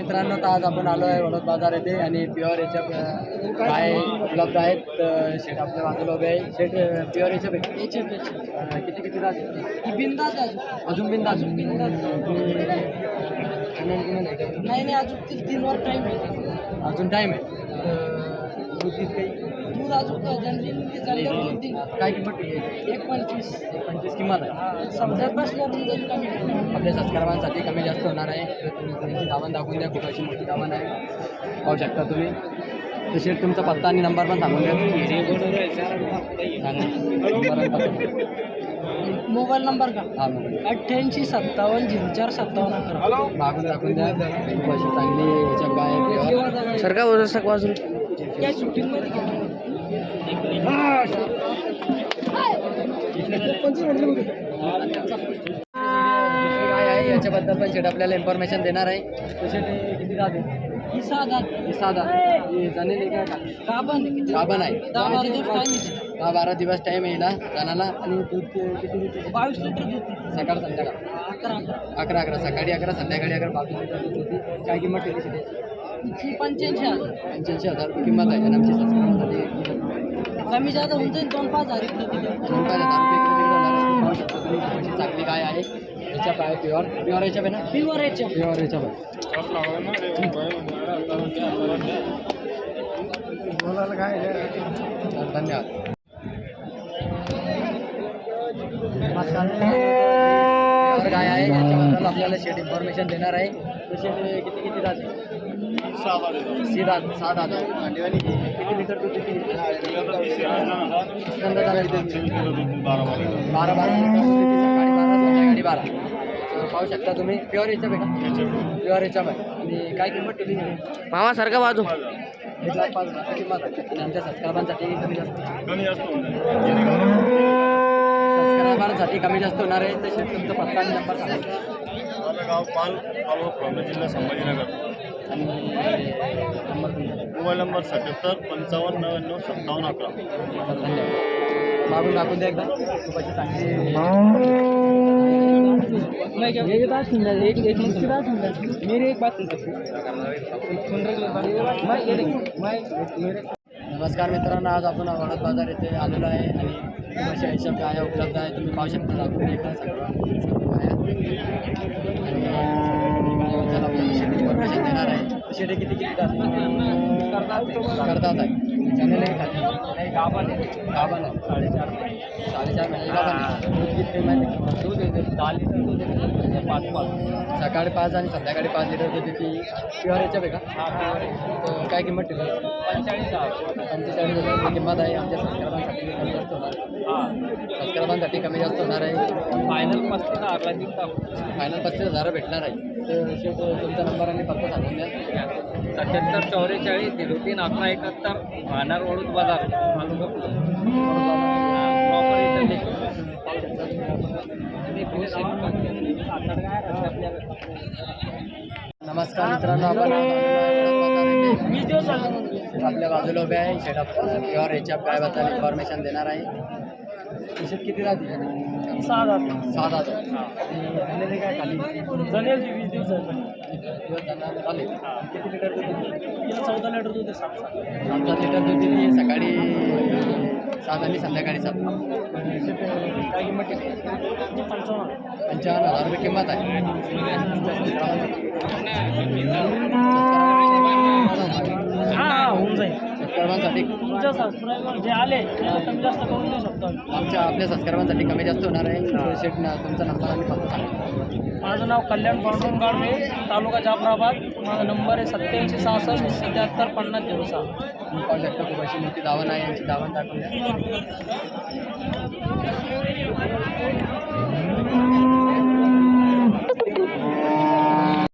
मित्रांनो, तर आज आपण आलो आहे वडोद बाजार येथे आणि प्युअर याच्या काय उपलब्ध आहेत. शेट आपल्या बाजूला उभे आहे. शेट प्युअर याच्या किती किती राहते बिंदास अजून बिंदास नाही अजून 3 वर टाइम आहे. अजून टाईम आहे. दूध काही दूध अजून जनरल काय किंमत ठेवली आहे? 1.25 1.25 किंमत आहे. समजत बसल्यावर दूध कमी आपल्या सबस्क्रायबांसाठी कमी जास्त होणार आहे. तर तुम्ही तुमची दावण दाखवून द्या. खूप अशी मोठी दावण आहे, पाहू शकता तुम्ही. तर शेट तुमचा पत्ता आणि नंबर पण सांगून द्या. मोबाईल नंबर का हा मोबाईल 88 57 04 57 11. मागून दाखवून द्या. खूप अशी चांगली याच्या गाय सरका वजन बाजू या शूटिंगमध्ये काय आहे याच्याबद्दल पण शेट आपल्याला इन्फॉर्मेशन देणार आहे. तसे ते किती जाते ही साधा जाणेल काय गाभण गाभण आहे. 10-12 दिवस टाइम 10-12 दिवस टाईम येईल जाण्याला. आणि दूध किती देते? 22 लिटर दूध सकाळ संध्याकाळ 11 सकाळी 11 संध्याकाळी 22 लिटर दूध होती. काय किंमत ठेवली शेती? 85,000 रुपये किंमत आहे. आणि आमची सबस्क्रायबरसाठी कमी जादा होऊन जाईल 2-5 हजार इकडे तिकडे 2,000 रुपये इकडे होणार. अशी चांगली गाय आहे. याच्या काय प्युअर याच्या ना प्युअर याच्या प्युअर याच्या धन्यवाद. प्युअर गाय आहे. याच्याबद्दल आपल्याला शेट इन्फॉर्मेशन देणार आहे. तसे किती किती राहते? 6 दात किती लिटर दूध देते? 12 लिटर दूध देते. सकाळी 12 संध्याकाळी 12. पाहू शकता तुम्ही. प्युअर याच्या का प्युअर याच्या आणि काय किंमत ठेवली? मामासारखा बाजू 1,05,000 किंमत आहे. आणि आमच्या सबस्क्रायबांसाठी कमी जास्त सबस्क्रायबांसाठी कमी जास्त होणार आहे. तसे तुमचा पत्ता आणि नंबर सांगा. माझं गाव पाल तालुका प्रॉब्लेम जिल्हा संभाजीनगर. आणि नंबर तुमचा. Mobile number 77 55 99 57 11. धन्यवाद. मागून टाकून द्या एकदा. खूप अशी चांगली मेरी एक बात सुन नमस्कार मित्रांनो, आज आपण वडोद बाजार येथे आलेलो आहे आणि खूप अशा हिशोब गाया उपलब्ध आहे. तुम्ही पाहू शकता. दाखवून एकदा सगळं गाया आपल्याला शेती इन्फॉर्मेशन देणार आहे. शेती किती किती करतात आहे. चॅनल आहे खाली गाभण आहे 4.5 महिने गाभण आहे. दूध किती माहिती? दूध येते 10 लिटर दूध येते. 5 सकाळी 5 आणि संध्याकाळी 5 लिटर दूध येते. प्युअर याच्या का? तर काय किंमत ठेवली? 45,000 रुपये किंमत आहे. आमच्या सबस्क्रायबांसाठी कमी जास्त होणार. सबस्क्रायबांसाठी कमी जास्त होणार आहे. फायनल 35,000 भेटणार आहे. तर शेट तुमचा नंबर आणि पत्ता सांगून द्या. 77 44 03 11 71 भानार वडोद बाजार नमस्कार मित्रांनो, आपण आपल्या बाजूला उभे आहे. शेट प्युअर याच्या गायबद्दल इन्फॉर्मेशन देणार आहे. शेत किती राहते? 6 दात झालेले काय खाली जनेल 20 दिवस दिवस जाणार झाले. किती लिटर दूध देते? 14 लिटर दूध आहे. 7 लिटर दूध देते. सकाळी 7 आणि संध्याकाळी 7. काय किंमत ठेवली? 55,000 रुपये किंमत आहे. होऊन जाईल. सबस्क्रायबांसाठी तुमच्या सबस्क्रायबर जे आले कमी जास्त करून देऊ शकतो. आपल्या सबस्क्रायबांसाठी कमी जास्त होणार आहे. शेट तुमचा नंबर आणि पत्ता सांगा. माझं नाव कल्याण पांडुरंग गाडवे, तालुका जाफराबाद. माझा नंबर आहे 87 66 77 50 06. पाहू शकता. खूप अशी मोठी दावण आहे. यांची दावण दाखवून द्या.